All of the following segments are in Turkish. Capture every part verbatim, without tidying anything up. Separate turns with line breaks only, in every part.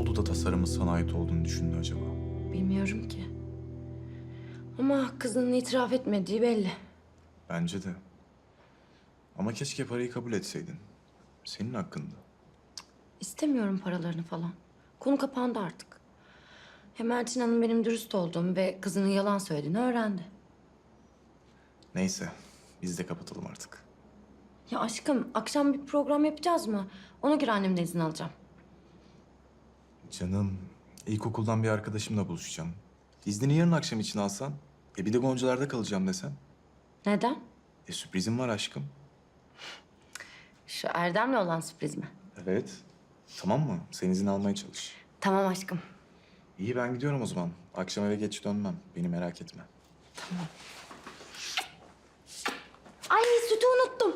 oldu da tasarımın sana ait olduğunu düşündü acaba?
Bilmiyorum ki. Ama kızının itiraf etmediği belli.
Bence de. Ama keşke parayı kabul etseydin. Senin hakkında.
İstemiyorum paralarını falan. Konu kapandı artık. Hem Elçin Hanım benim dürüst olduğumu ve kızının yalan söylediğini öğrendi.
Neyse, biz de kapatalım artık.
Ya aşkım, akşam bir program yapacağız mı? Ona göre annemden izin alacağım.
Canım, ilkokuldan bir arkadaşımla buluşacağım. İznini yarın akşam için alsan, e bir de Goncalar'da kalacağım desen.
Neden?
E sürprizim var aşkım.
Şu Erdem'le olan sürpriz mi?
Evet. Tamam mı? Sen izin almaya çalış.
Tamam aşkım.
İyi ben gidiyorum o zaman. Akşam eve geç dönmem. Beni merak etme.
Ay sütü unuttum.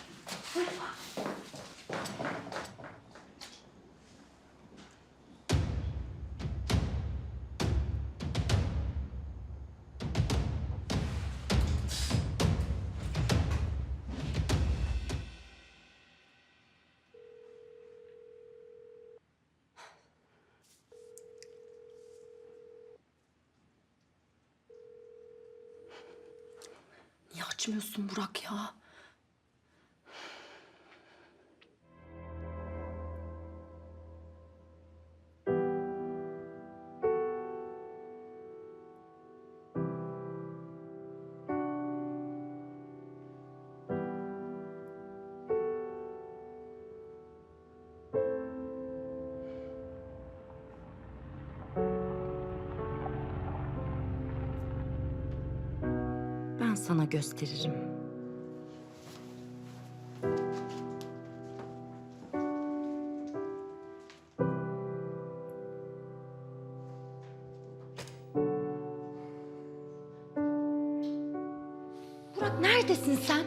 Niye açmıyorsun Burak ya? Ben sana gösteririm. Burak neredesin sen?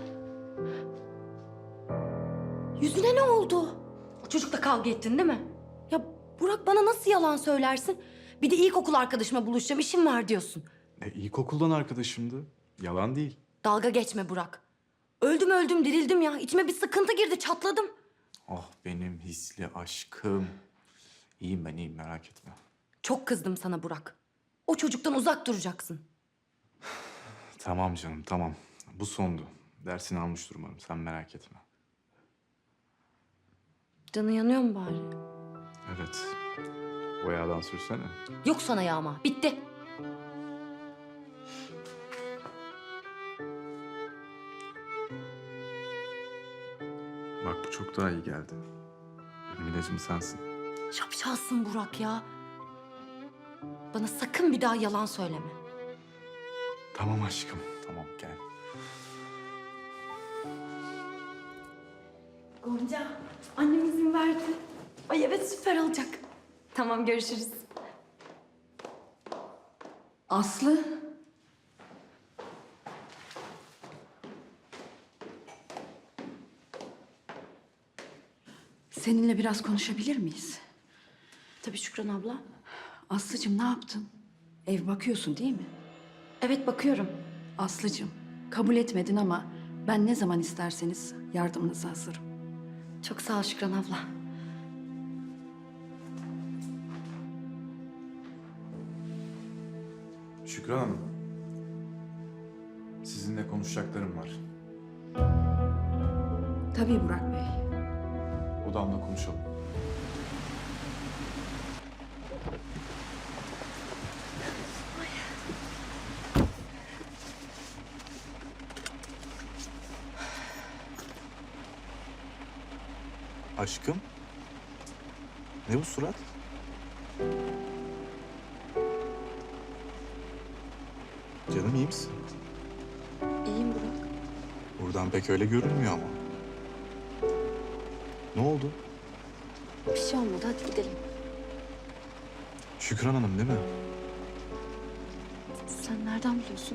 Yüzüne ne oldu? O çocukla kavga ettin değil mi? Ya Burak bana nasıl yalan söylersin? Bir de ilkokul arkadaşıma buluşacağım, işim var diyorsun.
E ilkokuldan arkadaşımdı. Yalan değil.
Dalga geçme Burak. Öldüm öldüm dirildim ya. İçime bir sıkıntı girdi, çatladım.
Oh benim hisli aşkım. İyiyim ben iyiyim merak etme.
Çok kızdım sana Burak. O çocuktan uzak duracaksın.
Tamam canım tamam. Bu sondu. Dersini almıştır umarım sen merak etme.
Canın yanıyor mu bari?
Evet. O yağdan sürsene.
Yok sana yağma. Bitti.
Bak bu çok daha iyi geldi. Benim ilacım sensin.
Şapşalsın Burak ya. Bana sakın bir daha yalan söyleme.
Tamam aşkım. Tamam gel.
Gonca, annem izin verdi. Ay evet süper olacak. Tamam görüşürüz.
Aslı. Seninle biraz konuşabilir miyiz?
Tabii Şükran abla.
Aslıcığım ne yaptın? Ev bakıyorsun değil mi?
Evet bakıyorum.
Aslıcığım kabul etmedin ama ben ne zaman isterseniz yardımınıza hazırım.
Çok sağ ol Şükran abla.
Şükran Hanım. Sizinle konuşacaklarım var.
Tabii Burak Bey.
Odamda konuşalım. Aşkım. Ne bu surat? Canım iyi misin?
İyiyim Burak.
Buradan pek öyle görünmüyor ama. Ne oldu?
Bir şey olmadı hadi gidelim.
Şükran Hanım değil mi?
Sen nereden biliyorsun?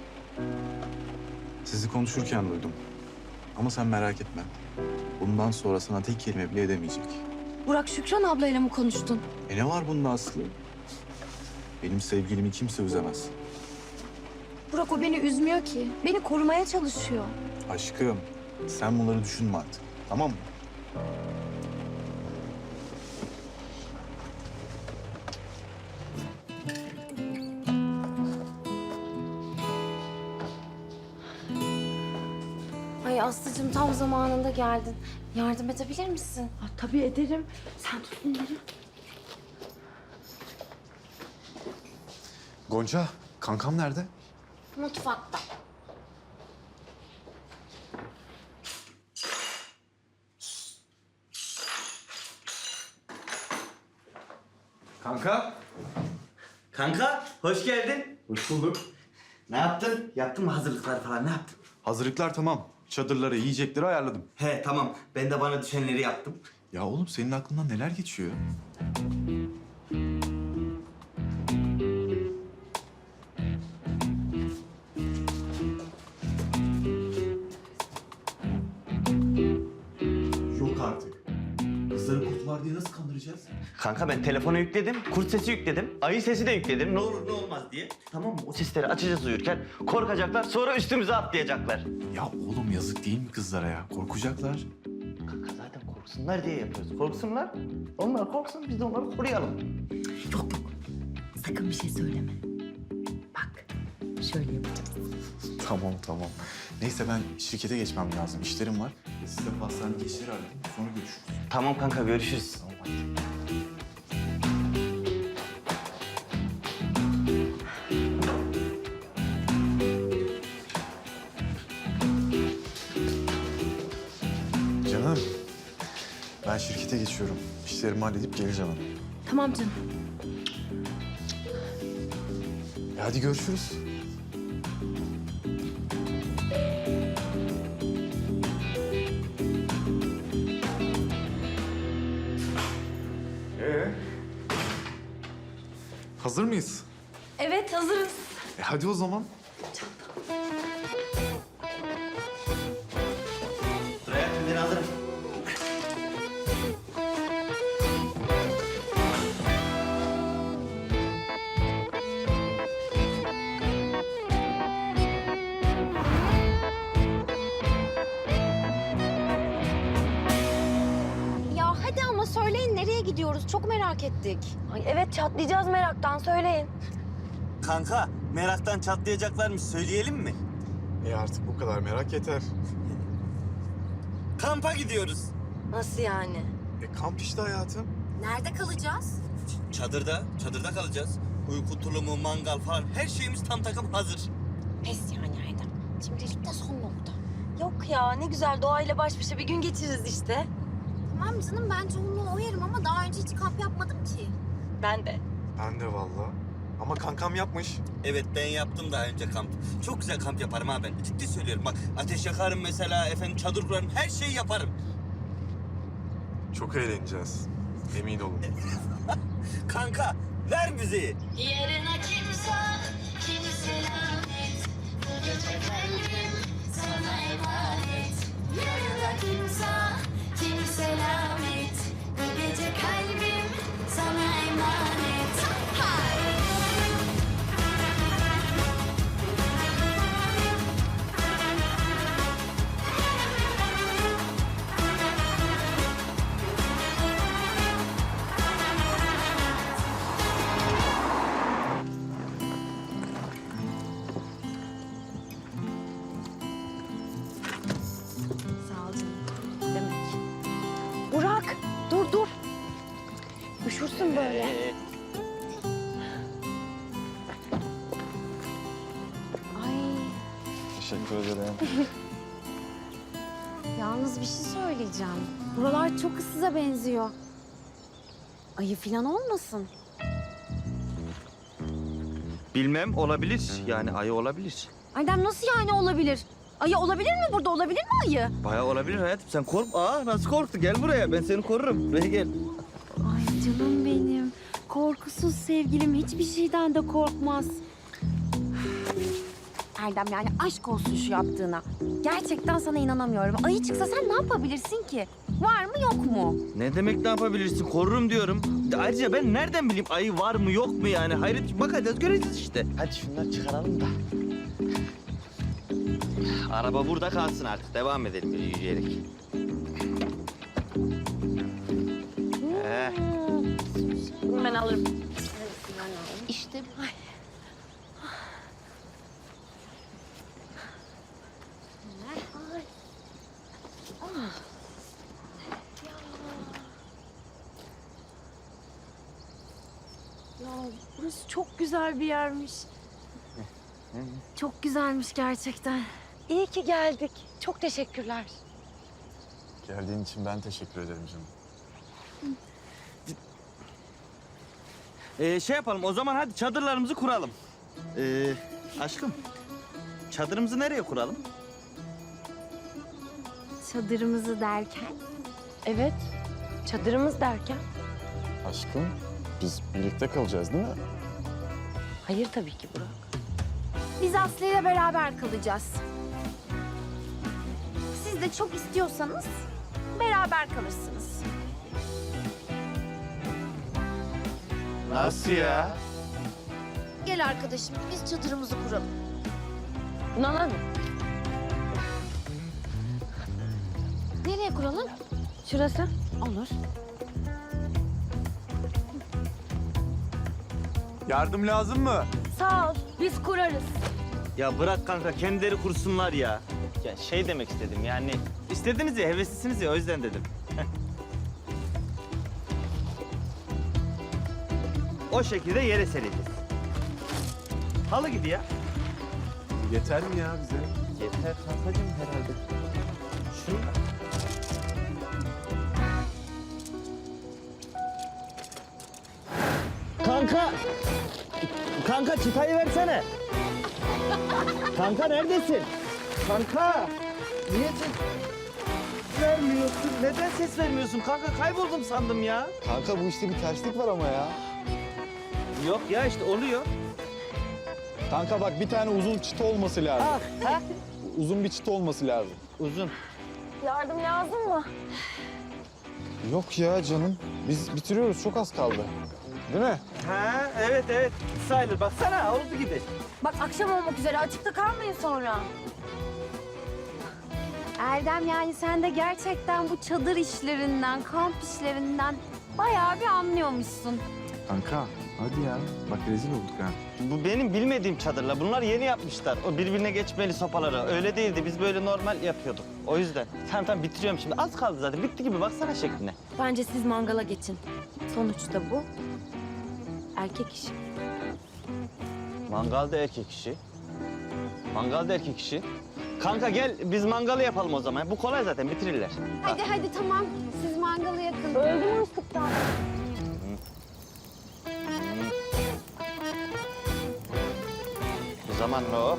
Sizi konuşurken duydum. Ama sen merak etme. Bundan sonra sana tek kelime bile edemeyecek.
Burak Şükran ablayla mı konuştun?
E ne var bunda Aslı? Benim sevgilimi kimse üzemez.
Burak o beni üzmüyor ki. Beni korumaya çalışıyor.
Aşkım, sen bunları düşünme artık. Tamam mı?
Aslı'cığım tam zamanında geldin. Yardım edebilir misin?
Ha, tabii ederim. Sen tut bunları.
Gonca, kankam nerede?
Mutfakta.
Kanka.
Kanka, hoş geldin.
Hoş bulduk.
Ne yaptın? Yaptın mı hazırlıkları falan, ne yaptın?
Hazırlıklar tamam. Çadırları, yiyecekleri ayarladım.
He, tamam. Ben de bana düşenleri yaptım.
Ya oğlum senin aklından neler geçiyor? Yok artık. Kızları kurtlar diye nasıl kandıracağız?
Kanka ben telefona yükledim, kurt sesi yükledim, ayı sesi de yükledim. Ne olur ne olmaz diye. Tamam mı? O sesleri açacağız uyurken. Korkacaklar, sonra üstümüze atlayacaklar.
Ya oğlum yazık değil mi kızlara ya? Korkacaklar.
Kanka zaten korksunlar diye yapıyoruz. Korksunlar. Onlar korksun, biz de onları koruyalım.
Yok yok. Sakın bir şey söyleme. Bak şöyle yapacağız.
Tamam tamam. Neyse ben şirkete geçmem lazım. İşlerim var. Siz de pastanedeki işleri halledin. Sonra görüşürüz.
Tamam kanka, görüşürüz.
Tamam hadi. Canım, ben şirkete geçiyorum. İşlerimi halledip geleceğim hemen.
Tamam canım.
E hadi görüşürüz. Ee? Hazır mıyız?
Evet hazırız.
E hadi o zaman.
Dur hayatım, ben alırım.
Ya hadi ama söyleyin nereye gidiyoruz? Çok merak ettik. Ay evet çatlayacağız meraktan söyleyin.
Kanka, meraktan çatlayacaklarmış. Söyleyelim mi?
E artık bu kadar merak yeter.
Kampa gidiyoruz.
Nasıl yani?
E kamp işte hayatım.
Nerede kalacağız?
Çadırda, çadırda kalacağız. Uyku tulumu, mangal falan her şeyimiz tam takım hazır.
Pes yani Erdem. Şimdilik de son nokta. Yok ya ne güzel doğayla baş başa bir gün geçiririz işte.
Tamam canım ben çoğunluğu oyarım ama daha önce hiç kamp yapmadım ki.
Ben de.
Ben de vallahi. Ama kankam yapmış.
Evet, ben yaptım daha önce kamp. Çok güzel kamp yaparım ha ben. Ciddi söylüyorum bak. Ateş yakarım mesela, efendim çadır kurarım, her şeyi yaparım.
Çok eğleneceğiz. Emin olun.
Kanka, ver müziği.
Yarına kimse, kimse lanet. Bu gece kalbim sana emanet. Yarına kimse, kimse lanet. Bu gece kalbim sana emanet. Hay!
Sağ ol canım. Demek. Burak dur dur. Üşürsün böyle. Ay
Teşekkür ederim.
Yalnız bir şey söyleyeceğim. Buralar çok ıssıza benziyor. Ayı falan olmasın?
Bilmem, olabilir. Yani ayı olabilir.
Erdem nasıl yani olabilir? Ayı olabilir mi burada? Olabilir mi ayı?
Bayağı olabilir hayatım. Sen kork. Aa, nasıl korktu? Gel buraya. Ben seni korurum. Buraya gel.
Ay canım benim. Korkusuz sevgilim hiçbir şeyden de korkmaz. Erdem yani aşk olsun şu yaptığına. Gerçekten sana inanamıyorum. Ayı çıksa sen ne yapabilirsin ki? Var mı yok mu?
Ne demek ne yapabilirsin? Korurum diyorum. Ayrıca ben nereden bileyim ayı var mı yok mu yani? Hayret, bakacağız göreceğiz işte. Hadi şunları çıkaralım da. Araba burada kalsın artık. Devam edelim böyle yürüyerek. Ee,
ben alırım.
İşte bu. Ya burası çok güzel bir yermiş. Çok güzelmiş gerçekten. İyi ki geldik. Çok teşekkürler.
Geldiğin için ben teşekkür ederim canım.
Ee, şey yapalım o zaman hadi çadırlarımızı kuralım. Ee, aşkım çadırımızı nereye kuralım?
Çadırımızı derken? Evet. Çadırımız derken?
Aşkım, biz birlikte kalacağız değil mi?
Hayır tabii ki Burak. Biz Aslı ile beraber kalacağız. Siz de çok istiyorsanız beraber kalırsınız.
Nasıl ya?
Gel arkadaşım, biz çadırımızı kuralım. Buna lan. Nereye kuralım? Şurası. Olur.
Yardım lazım mı?
Sağ ol, biz kurarız.
Ya bırak kanka kendileri kursunlar ya. Ya şey demek istedim yani istediniz ya heveslisiniz ya o yüzden dedim. O şekilde yere sereceğiz. Halı gibi ya.
Yeter mi ya bize?
Yeter kankacığım herhalde. Şunu... Kanka! Kanka çıtayı versene. Kanka neredesin? Kanka! Niye ses vermiyorsun? Neden ses vermiyorsun? Kanka kayboldum sandım ya.
Kanka bu işte bir terslik var ama ya.
Yok ya işte oluyor.
Kanka bak bir tane uzun çıta olması lazım.
Ah, ha?
Uzun bir çıta olması lazım.
Uzun.
Yardım lazım mı?
Yok ya canım. Biz bitiriyoruz. Çok az kaldı. Değil mi?
Ha evet evet. Sayılır. Baksana oldu gibi.
Bak akşam olmak üzere, açıkta kalmayın sonra. Erdem yani sen de gerçekten bu çadır işlerinden, kamp işlerinden bayağı bir anlıyormuşsun.
Kanka hadi ya. Bak rezil olduk ha.
Bu benim bilmediğim çadırlar. Bunlar yeni yapmışlar. O birbirine geçmeli sopaları. Öyle değildi. Biz böyle normal yapıyorduk. O yüzden. Tamam tamam bitiriyorum şimdi. Az kaldı zaten. Bitti gibi. Baksana şekline.
Bence siz mangala geçin. Sonuçta bu erkek işi.
Mangalda erkek işi. Mangalda erkek işi. Kanka gel biz mangalı yapalım o zaman. Bu kolay zaten bitirirler.
Hadi hadi tamam. Siz mangalı yakın. Öldüm açlıktan.
O zaman o.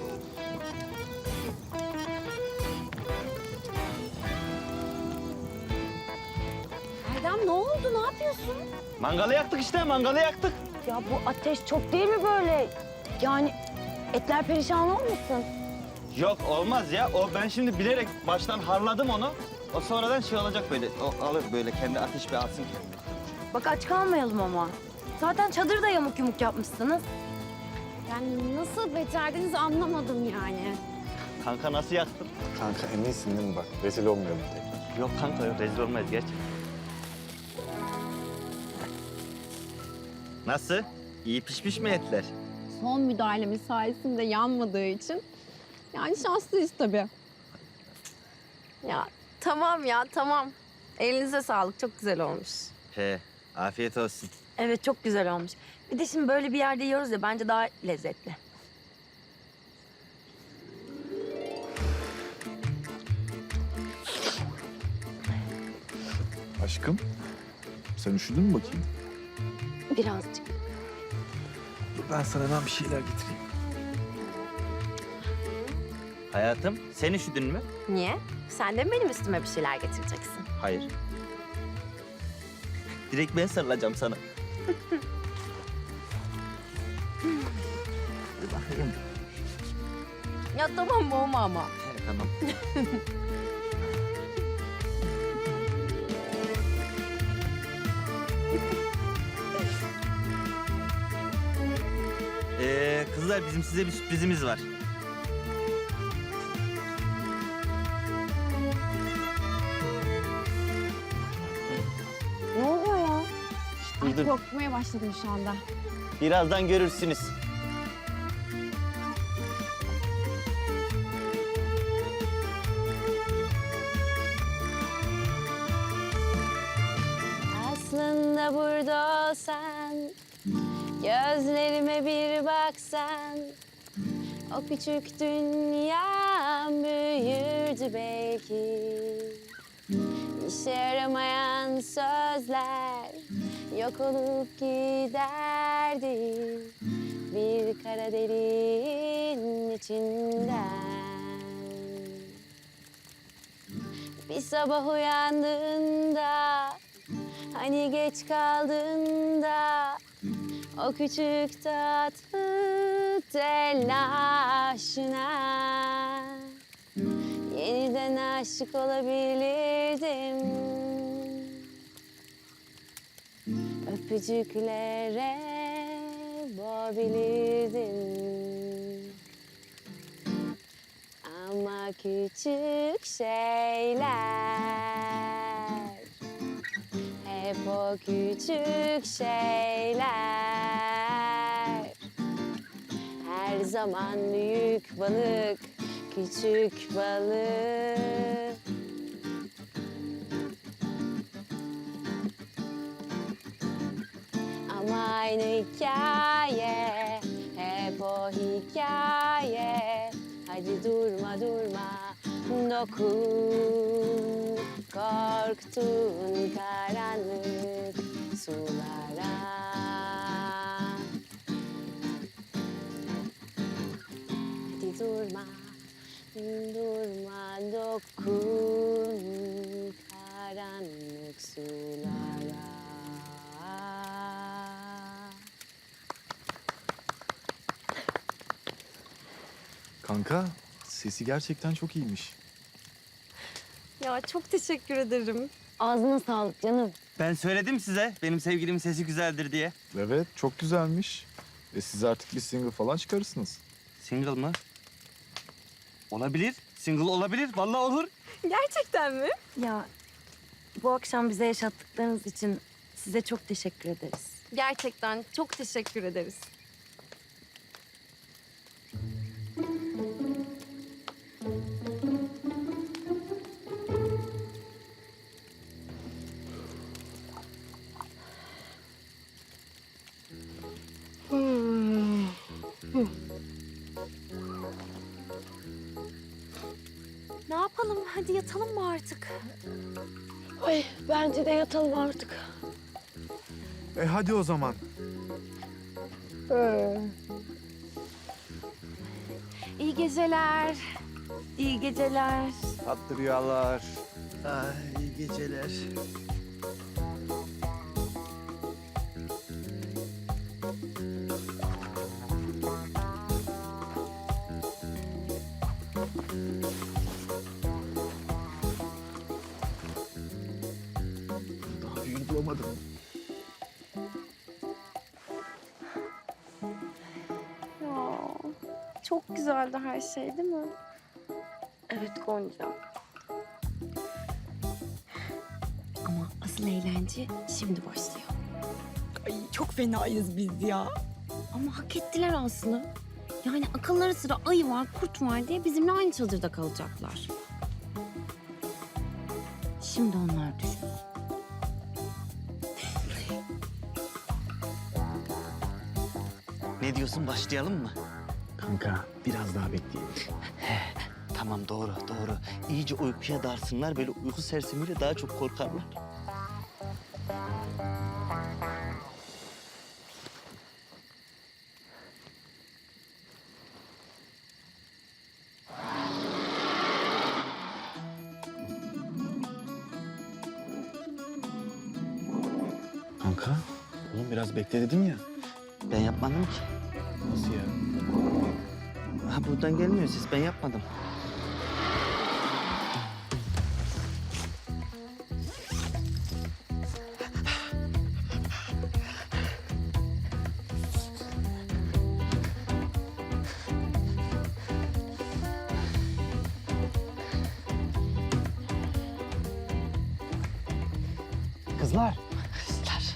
Erdem ne oldu? Ne yapıyorsun?
Mangalı yaktık işte. Mangalı yaktık.
Ya bu ateş çok değil mi böyle? Yani etler perişan olmasın?
Yok olmaz ya. O ben şimdi bilerek baştan harladım onu. O sonradan şey olacak böyle. O alır böyle kendi ateş bir alsın kendini.
Bak aç kalmayalım ama. Zaten çadırı da yamuk yumuk yapmışsınız. Yani nasıl becerdiniz anlamadım yani.
Kanka nasıl yaktın?
Kanka eminsin değil mi bak? Rezil olmayalım tekrar.
Yok kanka yok rezil olmayız gerçekten. Nasıl? İyi pişmiş mi etler?
Son müdahalemiz sayesinde yanmadığı için yani şanslıyız tabii.
Ya tamam ya tamam. Elinize sağlık, çok güzel olmuş.
He, afiyet olsun.
Evet çok güzel olmuş. Bir de şimdi böyle bir yerde yiyoruz ya bence daha lezzetli.
Aşkım sen üşüdün mü bakayım?
Birazcık.
Dur ben sana hemen bir şeyler getireyim.
Hayatım, sen üşüdün mü?
Niye? Sen de mi benim üstüme bir şeyler getireceksin?
Hayır. Direkt ben sarılacağım sana. Dur bakayım.
Ya tamam boğma ama.
He, tamam. Ee, kızlar bizim size bir sürprizimiz var.
Ne oluyor ya?
Dur, dur.
Korkmaya başladım şu anda.
Birazdan görürsünüz.
Aslında burada sen Gözlerime bir baksan, o küçük dünya büyürdü belki. İşe yaramayan sözler yok olup giderdi bir kara deliğin içinden. Bir sabah uyandığında, hani geç kaldığında, o küçük tatlı telaşına yeniden aşık olabilirdim. Öpücüklere boğabilirdim. Ama küçük şeyler, hep o küçük şeyler. Her zaman büyük balık, küçük balık. Ama aynı hikaye, hep o hikaye. Hadi durma durma, dokun korktuğun karanlık sulara. Hadi durma, durma, dokun karanlık sulara.
Kanka, sesi gerçekten çok iyiymiş.
Ya çok teşekkür ederim. Ağzına sağlık canım.
Ben söyledim size benim sevgilimin sesi güzeldir diye.
Evet, çok güzelmiş. E siz artık bir single falan çıkarırsınız.
Single mı? Olabilir. Single olabilir. Vallahi olur.
Gerçekten mi?
Ya bu akşam bize yaşattıklarınız için size çok teşekkür ederiz.
Gerçekten çok teşekkür ederiz.
Ne yapalım? Hadi yatalım mı artık?
Ay bence de yatalım artık.
E hadi o zaman.
İyi geceler. İyi geceler.
Tatlı rüyalar.
Ay, iyi geceler.
Daha büyüğünü bulamadım.
Ya çok güzeldi her şey değil mi?
Evet Gonca. Ama asıl eğlence şimdi başlıyor.
Ay çok fenayız biz ya.
Ama hak ettiler Aslı. Yani akılları sıra ayı var, kurt var diye bizimle aynı çadırda kalacaklar. Şimdi onlar düşün.
Ne diyorsun? Başlayalım mı?
Kanka, biraz daha bekleyelim.
Tamam doğru doğru. İyice uykuya darsınlar. Böyle uyku sersemiyle daha çok korkarlar.
Kanka, oğlum biraz bekle dedim ya.
Ben yapmadım ki.
Nasıl ya?
Ha buradan gelmiyor ses. Ben yapmadım.
Kızlar.
Kızlar.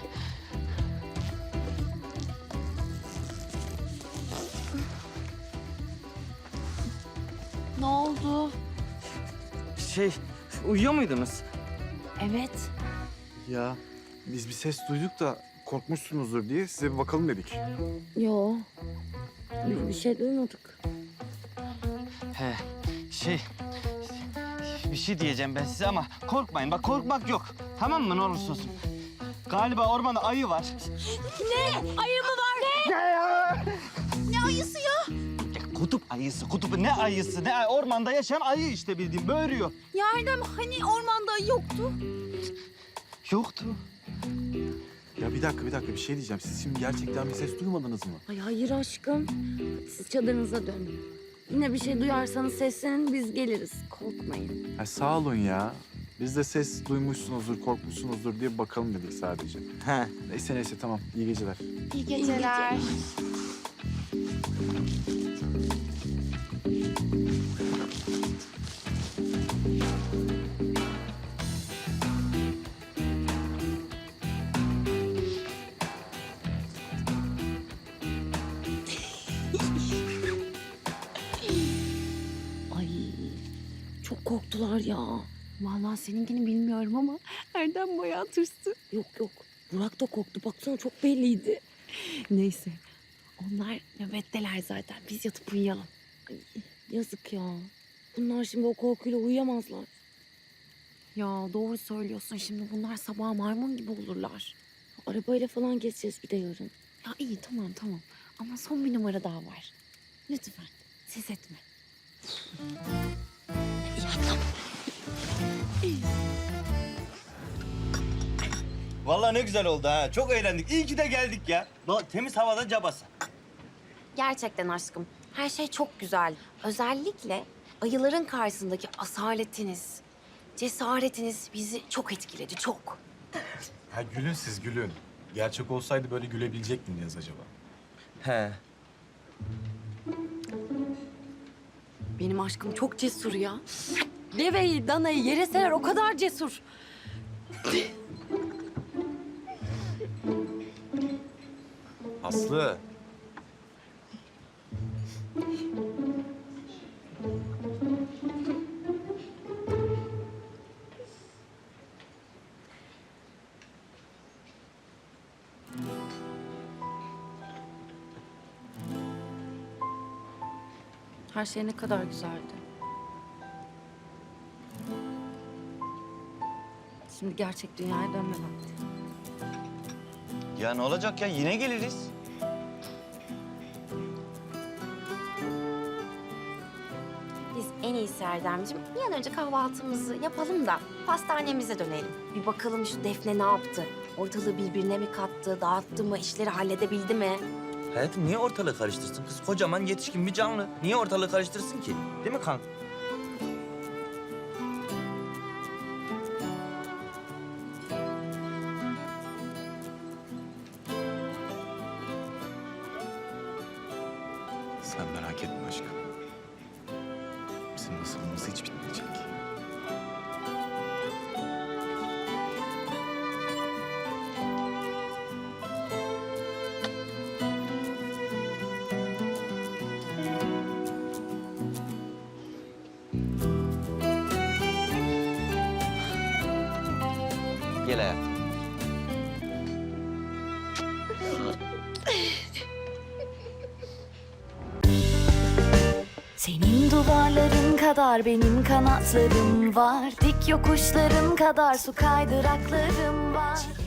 Ne oldu?
Şey, uyuyor muydunuz?
Evet.
Ya biz bir ses duyduk da
korkmuşsunuzdur diye size bir bakalım dedik.
Yo. Biz bir şey duymadık.
He, şey... Bir şey diyeceğim ben size ama korkmayın. Bak korkmak yok. Tamam mı ne olursa olsun. Galiba ormanda ayı var.
Ayı mı var? Ne? Ne ayısı ya?
Ya, kutup ayısı, kutup ne ayısı? Ne ay- ormanda yaşayan ayı işte bildiğin böğürüyor.
Ya Erdem hani ormanda ayı yoktu?
Yoktu.
Ya bir dakika bir dakika bir şey diyeceğim. Siz şimdi gerçekten bir ses duymadınız mı?
Ay hayır aşkım. Siz çadırınıza dönün. Yine bir şey duyarsanız seslenin biz geliriz. Korkmayın.
Ha, sağ olun ya. Biz de ses duymuşsunuzdur, korkmuşsunuzdur diye bakalım dedik sadece.
He.
Neyse neyse tamam. İyi geceler.
İyi geceler. Ay çok korktular ya.
Vallahi seninkini bilmiyorum ama Erdem bayağı tırstı.
Yok yok. Burak da korktu. Baksana çok belliydi.
Neyse. Onlar nöbetteler zaten. Biz yatıp uyuyalım.
Ay, yazık ya. Bunlar şimdi o korkuyla uyuyamazlar.
Ya doğru söylüyorsun. Şimdi bunlar sabah maymun gibi olurlar.
Arabayla falan geçeceğiz bir de yarın.
Ya iyi tamam tamam. Ama son bir numara daha var. Lütfen. Ses etme.
Vallahi ne güzel oldu ha. Çok eğlendik. İyi ki de geldik ya. Bak temiz havada cabası.
Gerçekten aşkım. Her şey çok güzel. Özellikle ayıların karşısındaki asaletiniz, cesaretiniz bizi çok etkiledi, çok.
Ha gülün siz gülün. Gerçek olsaydı böyle gülebilecek miydiniz acaba?
He.
Benim aşkım çok cesur ya. Deveyi, danayı yere serer o kadar cesur.
Aslı.
Her şey ne kadar güzeldi. Şimdi gerçek dünyaya dönme vakti.
Ya ne olacak ya? Yine geliriz.
Biz en iyisi Erdemciğim bir an önce kahvaltımızı yapalım da pastanemize dönelim. Bir bakalım şu Defne ne yaptı? Ortalığı birbirine mi kattı, dağıttı mı, işleri halledebildi mi?
Hayatım niye ortalığı karıştırsın? Kız kocaman yetişkin bir canlı. Niye ortalığı karıştırsın ki? Değil mi kanka?
Sen merak etme aşkım. Bizim nasılımız hiç bitmeyecek.
Gel hayatım.
Senin duvarların kadar benim kanatlarım var. Dik yokuşların kadar su kaydıraklarım var.